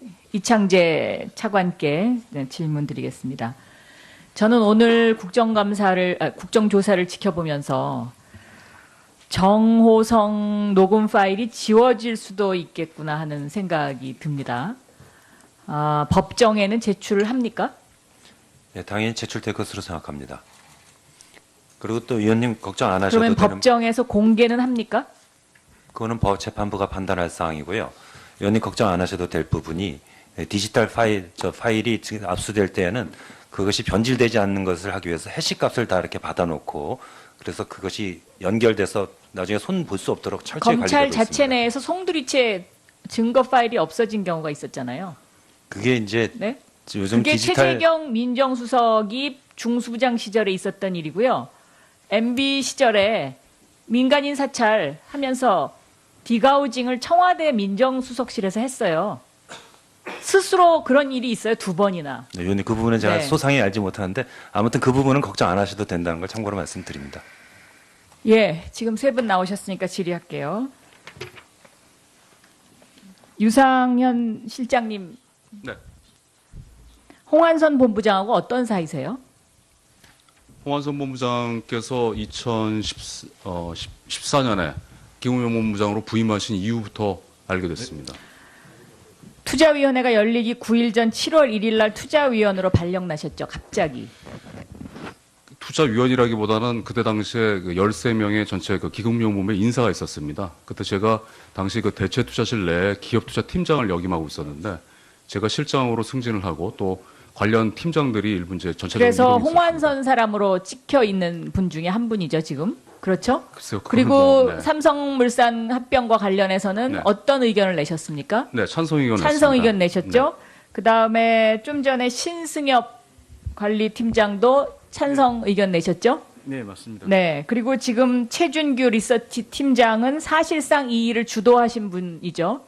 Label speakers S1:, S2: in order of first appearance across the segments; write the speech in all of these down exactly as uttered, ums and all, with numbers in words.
S1: 이창재 차관께 네, 질문 드리겠습니다. 저는 오늘 국정감사를, 아, 국정조사를 지켜보면서 정호성 녹음 파일이 지워질 수도 있겠구나 하는 생각이 듭니다. 아, 법정에는 제출을 합니까?
S2: 네, 당연히 제출될 것으로 생각합니다. 그리고 또 위원님 걱정 안 하셔도
S1: 그러면
S2: 되는.
S1: 법정에서 공개는 합니까?
S2: 그거는 법 재판부가 판단할 사항이고요. 위원님 걱정 안 하셔도 될 부분이 디지털 파일, 저 파일이 지금 압수될 때에는 그것이 변질되지 않는 것을 하기 위해서 해시값을 다 이렇게 받아놓고 그래서 그것이 연결돼서 나중에 손 볼 수 없도록 철저히
S1: 검찰
S2: 관리되고
S1: 자체
S2: 있습니다.
S1: 내에서 송두리째 증거 파일이 없어진 경우가 있었잖아요.
S2: 그게 이제
S1: 네?
S2: 요즘
S1: 그게
S2: 디지털
S1: 최재경 민정수석이 중수부장 시절에 있었던 일이고요. 엠비 시절에 민간인 사찰하면서 디가우징을 청와대 민정수석실에서 했어요. 스스로 그런 일이 있어요. 두 번이나.
S2: 네, 위원님 그 부분은 제가
S1: 네.
S2: 소상히 알지 못하는데 아무튼 그 부분은 걱정 안 하셔도 된다는 걸 참고로 말씀드립니다.
S1: 예, 지금 세 분 나오셨으니까 질의할게요. 유상현 실장님,
S3: 네.
S1: 홍한선 본부장하고 어떤 사이세요?
S3: 홍한선 본부장께서 이천십사 년에 김우영 본부장으로 부임하신 이후부터 알게 됐습니다.
S1: 투자위원회가 열리기 구 일 전 칠월 일일 날 투자위원으로 발령나셨죠, 갑자기.
S3: 투자위원이라기보다는 그때 당시에 그 열세 명의 전체 그 기금용범의 인사가 있었습니다. 그때 제가 당시 그 대체투자실 내에 기업투자팀장을 역임하고 있었는데 제가 실장으로 승진을 하고 또 관련 팀장들이 일부 이제 전체적으로
S1: 그래서
S3: 이동이
S1: 홍완선
S3: 있었습니다.
S1: 사람으로 찍혀 있는 분 중에 한 분이죠, 지금. 그렇죠?
S3: 글쎄요, 그건
S1: 그리고
S3: 뭐, 네.
S1: 삼성물산 합병과 관련해서는
S3: 네.
S1: 어떤 의견을 내셨습니까?
S3: 네, 찬성 의견
S1: 찬성
S3: 냈습니다.
S1: 의견 내셨죠? 그 다음에 좀 전에 신승엽 관리팀장도 찬성 의견 내셨죠?
S4: 네, 맞습니다.
S1: 네. 그리고 지금 최준규 리서치 팀장은 사실상 이 일을 주도하신 분이죠.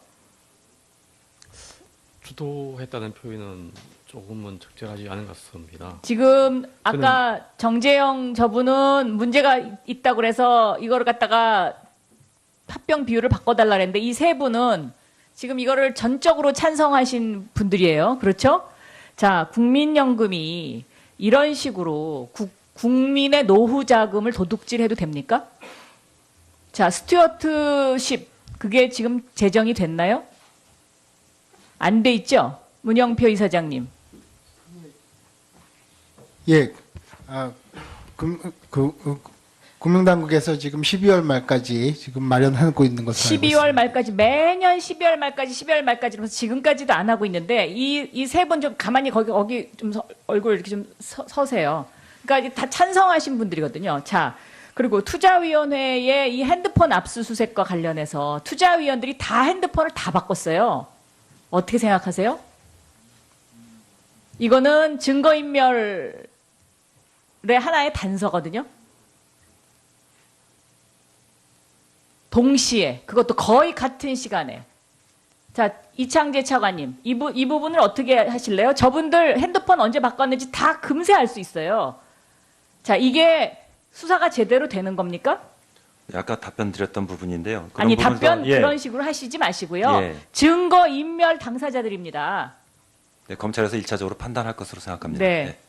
S4: 주도했다는 표현은 조금은 적절하지 않은 것 같습니다.
S1: 지금 아까 정재영 저분은 문제가 있다고 그래서 이거를 갖다가 합병 비율을 바꿔달라 그랬는데 이 세 분은 지금 이거를 전적으로 찬성하신 분들이에요. 그렇죠? 자, 국민연금이 이런 식으로 국, 국민의 노후 자금을 도둑질해도 됩니까? 자, 스튜어트십 그게 지금 제정이 됐나요? 안 돼 있죠? 문영표 이사장님.
S5: 예, 아, 금, 그, 그, 금융당국에서 지금 십이월 말까지 지금 마련하고 있는 것으로 알고
S1: 십이월
S5: 있습니다.
S1: 말까지 매년 십이월 말까지 십이월 말까지 그래서 지금까지도 안 하고 있는데 이 이 세 분 좀 가만히 거기 거기 좀 서, 얼굴 이렇게 좀 서, 서세요. 그러니까 이게 다 찬성하신 분들이거든요. 자, 그리고 투자위원회의 이 핸드폰 압수수색과 관련해서 투자위원들이 다 핸드폰을 다 바꿨어요. 어떻게 생각하세요? 이거는 증거인멸의 하나의 단서거든요. 동시에 그것도 거의 같은 시간에. 자, 이창재 차관님 이, 부, 이 부분을 어떻게 하실래요? 저분들 핸드폰 언제 바꿨는지 다 금세 알 수 있어요. 자, 이게 수사가 제대로 되는 겁니까?
S2: 아까 답변 드렸던 부분인데요. 그런
S1: 아니
S2: 부분에서-
S1: 답변
S2: 예.
S1: 그런 식으로 하시지 마시고요.
S2: 예.
S1: 증거인멸 당사자들입니다.
S2: 네, 검찰에서 일 차적으로 판단할 것으로 생각합니다.
S1: 네.